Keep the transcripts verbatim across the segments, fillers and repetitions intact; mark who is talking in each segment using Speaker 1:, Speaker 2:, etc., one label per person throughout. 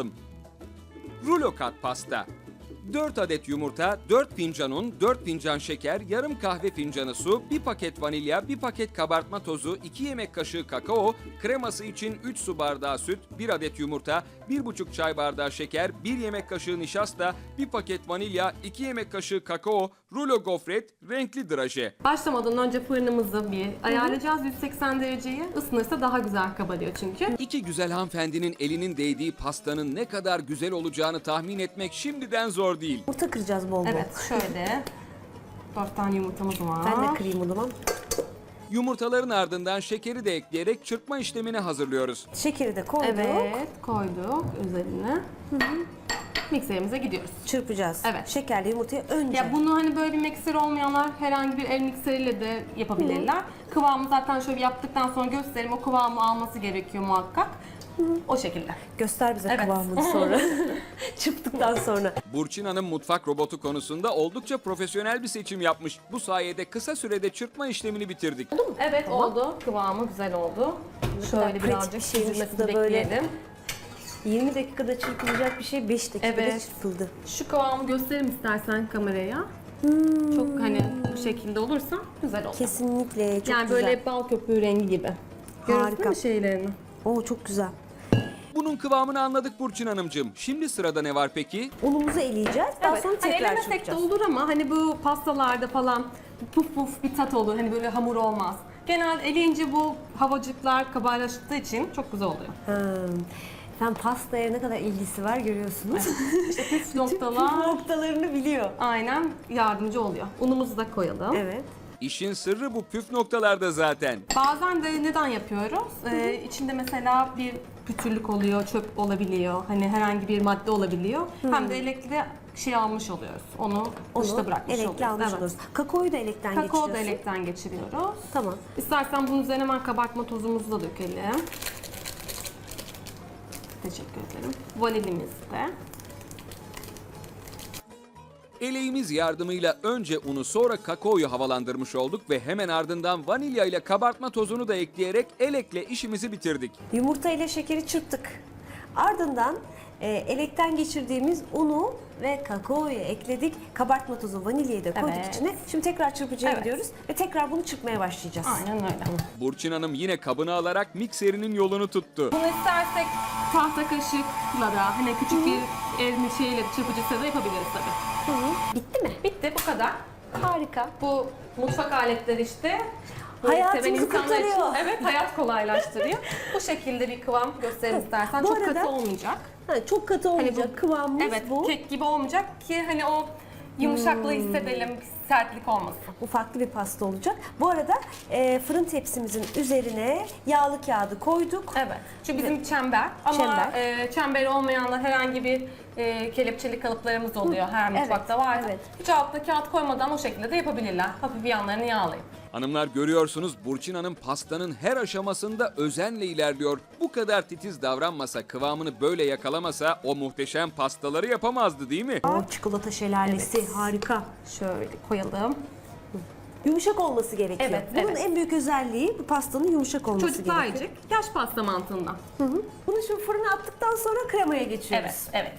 Speaker 1: Rulo kat pasta. dört adet yumurta, dört fincan un, dört fincan şeker, yarım kahve fincanı su, bir paket vanilya, bir paket kabartma tozu, iki yemek kaşığı kakao, kreması için üç su bardağı süt, bir adet yumurta, bir buçuk çay bardağı şeker, bir yemek kaşığı nişasta, bir paket vanilya, iki yemek kaşığı kakao, rulo gofret, renkli draje.
Speaker 2: Başlamadan önce fırınımızı bir ayarlayacağız. yüz seksen dereceyi ısınırsa daha güzel kabarıyor çünkü.
Speaker 1: İki güzel hanımefendinin elinin değdiği pastanın ne kadar güzel olacağını tahmin etmek şimdiden zor değil.
Speaker 3: Yumurta kıracağız bol bol.
Speaker 2: Evet, şöyle. Dört tane yumurtamız var.
Speaker 3: Ben de kırayım o zaman.
Speaker 1: Yumurtaların ardından şekeri de ekleyerek çırpma işlemini hazırlıyoruz.
Speaker 3: Şekeri de koyduk.
Speaker 2: Evet, koyduk üzerine. Mikserimize gidiyoruz.
Speaker 3: Çırpacağız.
Speaker 2: Evet.
Speaker 3: Şekerli yumurtayı önce.
Speaker 2: Ya bunu hani böyle bir mikser olmayanlar herhangi bir el mikseriyle de yapabilirler. Kıvamı zaten şöyle yaptıktan sonra göstereyim. O kıvamı alması gerekiyor muhakkak. O şekilde.
Speaker 3: Göster bize
Speaker 2: Evet.
Speaker 3: kıvamını sonra. Çırptıktan sonra.
Speaker 1: Burçin Hanım mutfak robotu konusunda oldukça profesyonel bir seçim yapmış. Bu sayede kısa sürede çırpma işlemini bitirdik.
Speaker 2: Evet oldu. Kıvamı güzel oldu. Şöyle
Speaker 3: pratik
Speaker 2: birazcık
Speaker 3: bir şeymiş
Speaker 2: süzülmesini
Speaker 3: bu da böyle.
Speaker 2: bekleyelim.
Speaker 3: yirmi dakikada çırpılacak bir şey beş dakikada
Speaker 2: Evet.
Speaker 3: çırpıldı.
Speaker 2: Şu kıvamı gösterim istersen kameraya. Çok hani bu şekilde olursa güzel olur.
Speaker 3: Kesinlikle çok
Speaker 2: yani
Speaker 3: güzel.
Speaker 2: böyle bal köpüğü rengi gibi. Görüyorsun
Speaker 3: Harika.
Speaker 2: değil mi şeylerini?
Speaker 3: Oo çok güzel.
Speaker 1: Bunun kıvamını anladık Burçin Hanımcığım. Şimdi sırada ne var peki?
Speaker 3: Unumuzu eleyeceğiz. Daha sonra
Speaker 2: Hani
Speaker 3: tekrar
Speaker 2: elemesek de
Speaker 3: çırpacağız.
Speaker 2: olur ama hani bu pastalarda falan puf puf bir tat olur. Hani böyle hamur olmaz. Genelde eleyince bu havacıklar kabarlaştığı için çok güzel oluyor.
Speaker 3: Hmm. Sen pastaya ne kadar ilgisi var görüyorsunuz.
Speaker 2: İşte püf
Speaker 3: Püf
Speaker 2: noktalar
Speaker 3: noktalarını biliyor.
Speaker 2: aynen yardımcı oluyor. Unumuzu da koyalım.
Speaker 3: Evet.
Speaker 1: İşin sırrı bu püf noktalarda zaten.
Speaker 2: Bazen de neden yapıyoruz? Ee, içinde mesela bir pütürlük oluyor, çöp olabiliyor. Hani herhangi bir madde olabiliyor. Hem de elekle şey almış oluyoruz. Onu, dışta
Speaker 3: Onu
Speaker 2: bırakmış
Speaker 3: elekle
Speaker 2: oluyoruz.
Speaker 3: almış
Speaker 2: Evet.
Speaker 3: oluruz. Kakaoyu da elekten
Speaker 2: Kakao da
Speaker 3: geçiriyorsun.
Speaker 2: elekten geçiriyoruz.
Speaker 3: Tamam.
Speaker 2: İstersen bunun üzerine hemen kabartma tozumuzu da dökelim. Teşekkür ederim. Vanilimiz de.
Speaker 1: Eleğimiz yardımıyla önce unu sonra kakaoyu havalandırmış olduk ve hemen ardından vanilya ile kabartma tozunu da ekleyerek elekle işimizi bitirdik.
Speaker 3: Yumurta ile şekeri çırptık. Ardından e, elekten geçirdiğimiz unu ve kakaoyu ekledik. Kabartma tozu, vanilyayı da koyduk
Speaker 2: Evet.
Speaker 3: içine. Şimdi tekrar çırpıcıya
Speaker 2: Evet.
Speaker 3: gidiyoruz ve tekrar bunu çırpmaya başlayacağız.
Speaker 2: Aynen öyle.
Speaker 1: Burçin Hanım yine kabını alarak mikserinin yolunu tuttu.
Speaker 2: Bunu istersek tahta kaşıkla da hani küçük bir el şeyle çırpıcıyla da yapabiliriz tabii.
Speaker 3: Hı hı. Bitti mi?
Speaker 2: Bitti bu kadar.
Speaker 3: Harika.
Speaker 2: Bu mutfak aletleri işte. Böyle
Speaker 3: Hayatımızı
Speaker 2: seven insanlar için,
Speaker 3: kurtarıyor.
Speaker 2: evet, hayat kolaylaştırıyor. Bu şekilde bir kıvam gösterir istersen.
Speaker 3: Bu
Speaker 2: Çok
Speaker 3: arada-
Speaker 2: katı olmayacak.
Speaker 3: Ha, çok katı olmayacak
Speaker 2: Hani bu-
Speaker 3: kıvamımız
Speaker 2: Evet,
Speaker 3: bu.
Speaker 2: kek gibi olmayacak ki hani o yumuşaklığı hissedelim, sertlik olmasın.
Speaker 3: Bu farklı bir pasta olacak. Bu arada e, fırın tepsimizin üzerine yağlı kağıdı koyduk.
Speaker 2: Evet. Çünkü bizim çember ama
Speaker 3: Çember.
Speaker 2: e, çemberi olmayanlar herhangi bir e, kelepçeli kalıplarımız oluyor her
Speaker 3: evet,
Speaker 2: mutfakta vardır.
Speaker 3: evet.
Speaker 2: Hiç altına kağıt koymadan o şekilde de yapabilirler. Hafif yanlarını yağlayıp.
Speaker 1: Hanımlar görüyorsunuz Burçin Hanım pastanın her aşamasında özenle ilerliyor. Bu kadar titiz davranmasa, kıvamını böyle yakalamasa o muhteşem pastaları yapamazdı değil mi?
Speaker 3: Aa, çikolata şelalesi
Speaker 2: Evet.
Speaker 3: harika.
Speaker 2: Şöyle koyalım.
Speaker 3: Yumuşak olması gerekiyor.
Speaker 2: Evet,
Speaker 3: Bunun
Speaker 2: evet.
Speaker 3: en büyük özelliği bu pastanın yumuşak olması
Speaker 2: Çocuklar
Speaker 3: gerekiyor.
Speaker 2: yiyecek. Yaş pasta mantığından.
Speaker 3: Hı hı. Bunu şimdi fırına attıktan sonra kremaya geçiyoruz.
Speaker 2: Evet, evet.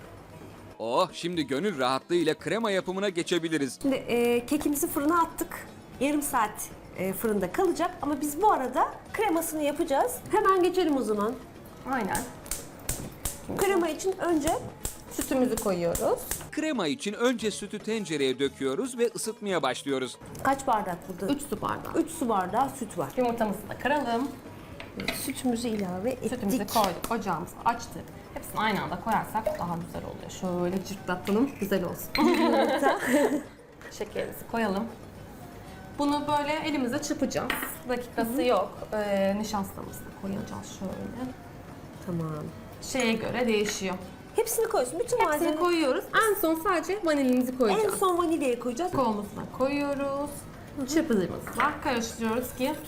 Speaker 1: Oh, şimdi gönül rahatlığıyla krema yapımına geçebiliriz.
Speaker 3: Şimdi e, kekimizi fırına attık. Yarım saat e, fırında kalacak ama biz bu arada kremasını yapacağız. Hemen geçelim o zaman.
Speaker 2: Aynen.
Speaker 3: Krema için önce
Speaker 2: Sütümüzü koyuyoruz.
Speaker 1: Krema için önce sütü tencereye döküyoruz ve ısıtmaya başlıyoruz.
Speaker 3: kaç bardak burada?
Speaker 2: üç su bardağı.
Speaker 3: üç su bardağı süt var.
Speaker 2: Yumurtamızı da kıralım.
Speaker 3: Sütümüzü ilave ettik.
Speaker 2: Sütümüzü koyduk. Ocağımızı açtık. Hepsini aynı anda koyarsak daha güzel oluyor. Şöyle cırtlatalım. Güzel olsun.
Speaker 3: Yumurta.
Speaker 2: Şekerimizi koyalım. Bunu böyle elimizle çırpacağız. Dakikası yok. Ee, nişastamızı da koyacağız şöyle.
Speaker 3: Tamam.
Speaker 2: Şeye göre değişiyor.
Speaker 3: Hepsini koyuyorsun. Bütün
Speaker 2: Hepsini
Speaker 3: malzemeleri.
Speaker 2: koyuyoruz. En son sadece vanilimizi
Speaker 3: En
Speaker 2: koyacağız.
Speaker 3: son vanilyayı koyacağız.
Speaker 2: Kakaomuzu da koyuyoruz. Çırpıcımız var. Karıştırıyoruz ki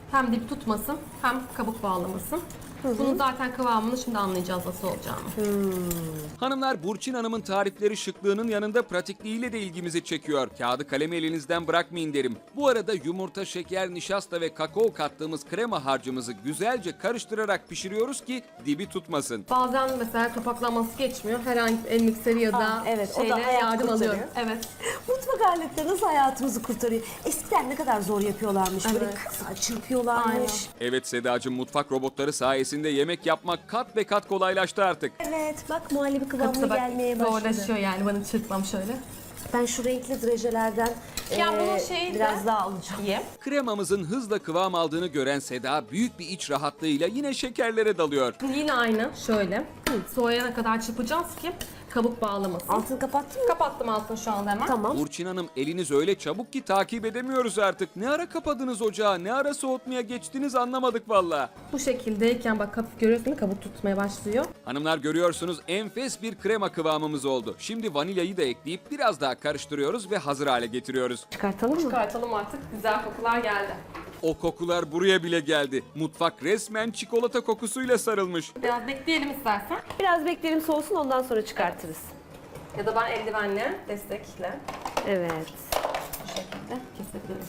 Speaker 2: Hem dip tutmasın hem kabuk bağlamasın. Bunun zaten kıvamını şimdi anlayacağız nasıl olacağını.
Speaker 1: Hanımlar, Burçin Hanım'ın tarifleri şıklığının yanında pratikliğiyle de ilgimizi çekiyor. Kağıdı kalemi elinizden bırakmayın derim. Bu arada yumurta, şeker, nişasta ve kakao kattığımız krema harcımızı güzelce karıştırarak pişiriyoruz ki dibi tutmasın.
Speaker 2: Bazen mesela kapaklanması geçmiyor. Herhangi bir el mikseri ya da
Speaker 3: Aa, evet, o da
Speaker 2: şeyle
Speaker 3: hayat
Speaker 2: yardım
Speaker 3: kurtarıyor.
Speaker 2: alıyorum. Evet.
Speaker 3: Mutfak aletleri nasıl hayatımızı kurtarıyor? Eskiden ne kadar zor yapıyorlarmış. Böyle
Speaker 2: Evet.
Speaker 3: kısa çırpıyorlarmış.
Speaker 2: Aynen.
Speaker 1: Evet Sedacığım, mutfak robotları sayesinde yemek yapmak kat ve kat kolaylaştı artık.
Speaker 3: Evet, bak muhallebi kıvamına
Speaker 2: Kapıda bak
Speaker 3: gelmeye başladı.
Speaker 2: zorlaşıyor yani bana çırpmam şöyle.
Speaker 3: Ben şu renkli drajelerden
Speaker 2: Ya
Speaker 3: eee,
Speaker 2: bunun şeyi de-
Speaker 3: biraz daha alacağım.
Speaker 2: İyi.
Speaker 1: Kremamızın hızla kıvam aldığını gören Seda büyük bir iç rahatlığıyla yine şekerlere dalıyor.
Speaker 2: Yine aynı şöyle. Soğuyana kadar çırpacağız ki kabuk bağlamasın.
Speaker 3: Altını kapattın mı?
Speaker 2: Kapattım altını şu anda hemen.
Speaker 3: Tamam.
Speaker 1: Burçin Hanım, eliniz öyle çabuk ki takip edemiyoruz artık. Ne ara kapadınız ocağı, ne ara soğutmaya geçtiniz anlamadık valla.
Speaker 2: Bu şekildeyken bak hafif görüyorsun değil mi? Kabuk tutmaya başlıyor.
Speaker 1: Hanımlar, görüyorsunuz enfes bir krema kıvamımız oldu. Şimdi vanilyayı da ekleyip biraz daha karıştırıyoruz ve hazır hale getiriyoruz.
Speaker 3: Çıkartalım mı?
Speaker 2: Çıkartalım artık. Güzel kokular geldi.
Speaker 1: O kokular buraya bile geldi. Mutfak resmen çikolata kokusuyla sarılmış.
Speaker 2: Biraz bekleyelim istersen.
Speaker 3: Biraz bekleyelim soğusun ondan sonra çıkartırız.
Speaker 2: Ya da ben eldivenle, destekle
Speaker 3: Evet.
Speaker 2: bu şekilde kesebilirim.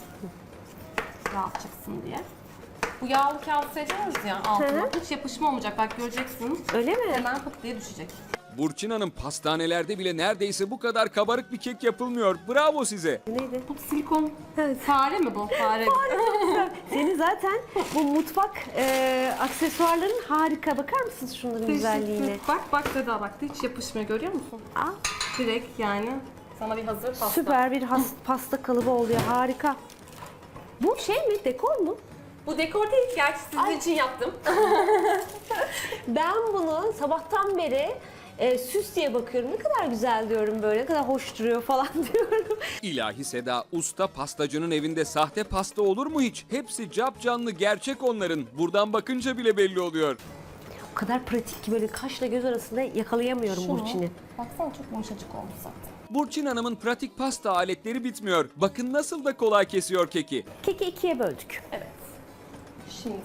Speaker 2: Rahat çıksın diye. Bu yağlı kağıt seriyoruz ya altına.
Speaker 3: Hı
Speaker 2: Hiç yapışma olmayacak. Bak göreceksiniz.
Speaker 3: Öyle mi?
Speaker 2: Hemen pıt diye düşecek.
Speaker 1: Burçin Hanım, pastanelerde bile neredeyse bu kadar kabarık bir kek yapılmıyor. Bravo size.
Speaker 3: Neydi?
Speaker 2: Bu silikon
Speaker 3: Evet.
Speaker 2: fare mi bu? Fare.
Speaker 3: Senin zaten bu mutfak eee, aksesuarların harika. Bakar mısınız şunların güzelliğine?
Speaker 2: Bak bak Seda bak hiç yapışmıyor görüyor musun?
Speaker 3: Aa,
Speaker 2: Direkt yani sana bir hazır pasta.
Speaker 3: süper bir has- pasta kalıbı oluyor. Harika. Bu şey mi? Dekor mu?
Speaker 2: Bu dekor değil gerçi sizin
Speaker 3: Ay.
Speaker 2: için yaptım.
Speaker 3: Ben bunu sabahtan beri e, süs diye bakıyorum. Ne kadar güzel diyorum böyle. Ne kadar hoş duruyor falan diyorum.
Speaker 1: İlahi Seda, usta pastacının evinde sahte pasta olur mu hiç? Hepsi capcanlı, gerçek onların. Buradan bakınca bile belli oluyor.
Speaker 3: O kadar pratik ki böyle kaşla göz arasında yakalayamıyorum Burçin'i.
Speaker 2: Baksana çok yumuşacık olmuş zaten.
Speaker 1: Burçin Hanım'ın pratik pasta aletleri bitmiyor. Bakın nasıl da kolay kesiyor keki.
Speaker 3: Keki ikiye böldük.
Speaker 2: Evet. Şimdi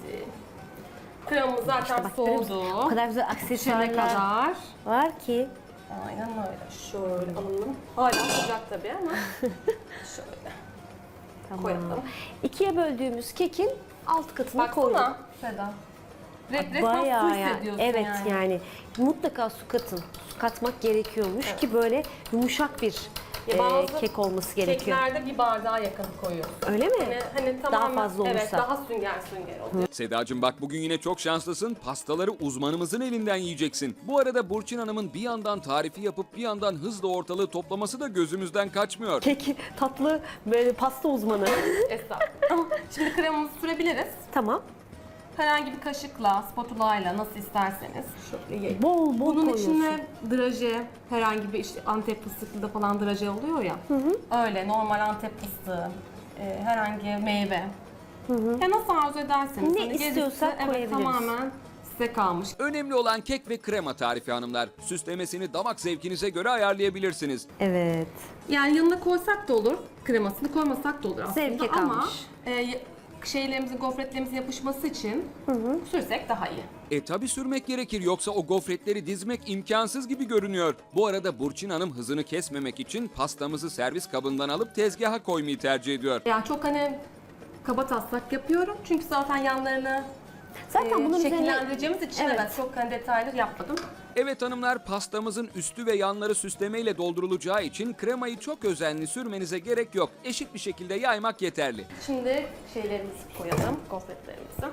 Speaker 2: kremamız zaten
Speaker 3: Bak, görüyor musun?
Speaker 2: soğudu.
Speaker 3: O kadar güzel
Speaker 2: Pişene
Speaker 3: aksesuarlar
Speaker 2: kadar.
Speaker 3: var ki.
Speaker 2: Aynen öyle. Şöyle alalım. Hala sıcak tabii ama. Şöyle
Speaker 3: Tamam.
Speaker 2: koyalım.
Speaker 3: İkiye böldüğümüz kekin alt katına koyduk.
Speaker 2: Baksana Seda. Red, resmen su
Speaker 3: Bayağı ya.
Speaker 2: hissediyorsun
Speaker 3: Evet
Speaker 2: yani.
Speaker 3: yani. mutlaka su katın. Su katmak gerekiyormuş ki böyle yumuşak bir
Speaker 2: Ya
Speaker 3: e,
Speaker 2: bazı
Speaker 3: kek olması gerekiyor.
Speaker 2: Keklerde bir bardağa yakın koyuyoruz.
Speaker 3: Öyle mi?
Speaker 2: Hani, hani tamamen,
Speaker 3: fazla olursa.
Speaker 2: Evet daha sünger sünger oluyor.
Speaker 1: Sedacığım bak, bugün yine çok şanslısın. Pastaları uzmanımızın elinden yiyeceksin. Bu arada Burçin Hanım'ın bir yandan tarifi yapıp bir yandan hızla ortalığı toplaması da gözümüzden kaçmıyor.
Speaker 3: Kek tatlı böyle pasta uzmanı.
Speaker 2: Estağfurullah. Şimdi kremamızı sürebiliriz.
Speaker 3: Tamam.
Speaker 2: Herhangi bir kaşıkla, spatula ile nasıl isterseniz. Şöyle yayın.
Speaker 3: Bol bol
Speaker 2: Bunun
Speaker 3: koyuyorsun.
Speaker 2: içine draje, herhangi bir işte Antep fıstıklı da falan draje oluyor ya. Öyle normal Antep fıstığı, e, herhangi meyve. Ya nasıl arzu ederseniz.
Speaker 3: Ne
Speaker 2: Hani gerisi,
Speaker 3: istiyorsak
Speaker 2: evet,
Speaker 3: koyabiliriz.
Speaker 2: tamamen size kalmış.
Speaker 1: Önemli olan kek ve krema tarifi hanımlar. Süslemesini damak zevkinize göre ayarlayabilirsiniz.
Speaker 3: Evet.
Speaker 2: Yani yanına koysak da olur, kremasını koymasak da olur aslında.
Speaker 3: Zevke
Speaker 2: Ama
Speaker 3: kalmış.
Speaker 2: e, şeylerimizin, gofretlerimizin yapışması için sürsek daha iyi.
Speaker 1: E tabi sürmek gerekir, yoksa o gofretleri dizmek imkansız gibi görünüyor. Bu arada Burçin Hanım hızını kesmemek için pastamızı servis kabından alıp tezgaha koymayı tercih ediyor.
Speaker 2: Yani çok hani kaba taslak yapıyorum çünkü zaten yanlarını
Speaker 3: Zaten
Speaker 2: e,
Speaker 3: bunun üzerine
Speaker 2: şekillendireceğimiz için
Speaker 3: Evet.
Speaker 2: evet. çok hani detaylı yapmadım.
Speaker 1: Evet hanımlar, pastamızın üstü ve yanları süslemeyle doldurulacağı için kremayı çok özenli sürmenize gerek yok. Eşit bir şekilde yaymak yeterli.
Speaker 2: Şimdi şeylerimizi koyalım, gofretlerimizi.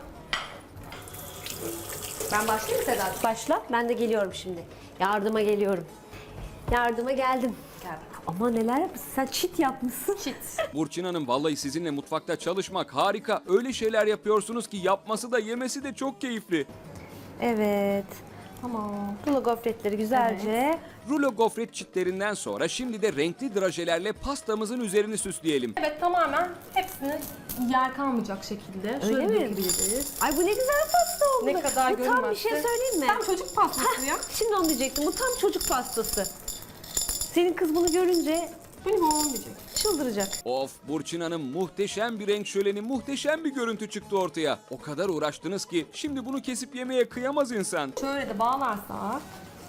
Speaker 2: Ben başlayayım mı Sedat?
Speaker 3: başla. Ben de geliyorum şimdi. Yardıma geliyorum. Yardıma geldim.
Speaker 2: Gel.
Speaker 3: Ama neler yapmışsın? Sen çit yapmışsın.
Speaker 2: Çit.
Speaker 1: Burçin Hanım, vallahi sizinle mutfakta çalışmak harika. Öyle şeyler yapıyorsunuz ki yapması da yemesi de çok keyifli.
Speaker 3: Evet.
Speaker 2: Tamam.
Speaker 3: Rulo gofretleri güzelce.
Speaker 1: Rulo gofret çitlerinden sonra şimdi de renkli drajelerle pastamızın üzerini süsleyelim.
Speaker 2: Evet tamamen hepsini yer kalmayacak şekilde şöyle
Speaker 3: Öyle mi?
Speaker 2: dökebiliriz.
Speaker 3: Ay bu ne güzel pasta oldu.
Speaker 2: Ne kadar
Speaker 3: Bu tam bir
Speaker 2: görünmezse.
Speaker 3: şey söyleyeyim mi?
Speaker 2: Tam çocuk pastası ya.
Speaker 3: Şimdi onu diyecektim. Bu tam çocuk pastası. Senin kız bunu görünce
Speaker 2: Bu ne bu diyecek.
Speaker 3: çıldıracak.
Speaker 1: Of Burçin Hanım, muhteşem bir renk şöleni, muhteşem bir görüntü çıktı ortaya. O kadar uğraştınız ki şimdi bunu kesip yemeye kıyamaz insan.
Speaker 2: Şöyle de bağlarsak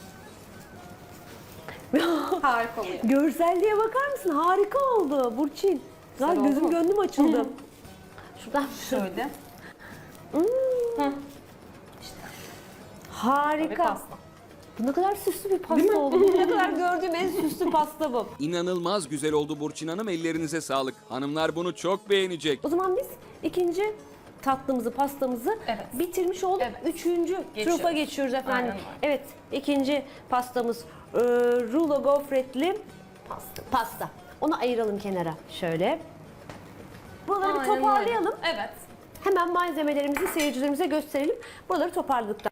Speaker 2: harika oluyor.
Speaker 3: Görselliğe bakar mısın? Harika oldu Burçin.
Speaker 2: Güzel
Speaker 3: Güzel,
Speaker 2: oldu
Speaker 3: gözüm
Speaker 2: mu?
Speaker 3: gönlüm açıldı. Şuradan
Speaker 2: Şöyle.
Speaker 3: harika.
Speaker 2: Ve pasta.
Speaker 3: Bu ne kadar süslü bir pasta oldu. Bu ne kadar gördüğüm en süslü pasta bu.
Speaker 1: İnanılmaz güzel oldu Burçin Hanım, ellerinize sağlık. Hanımlar bunu çok beğenecek.
Speaker 3: O zaman biz ikinci tatlımızı, pastamızı
Speaker 2: Evet.
Speaker 3: bitirmiş olduk.
Speaker 2: Evet.
Speaker 3: Üçüncü
Speaker 2: Geçiyoruz.
Speaker 3: trufa geçiyoruz efendim.
Speaker 2: Aynen öyle.
Speaker 3: Evet, ikinci pastamız e, rulo gofretli
Speaker 2: Pasta.
Speaker 3: pasta. Onu ayıralım kenara şöyle. Buraları bir
Speaker 2: Aynen öyle.
Speaker 3: toparlayalım.
Speaker 2: Evet.
Speaker 3: Hemen malzemelerimizi seyircilerimize gösterelim. Buraları toparladıktan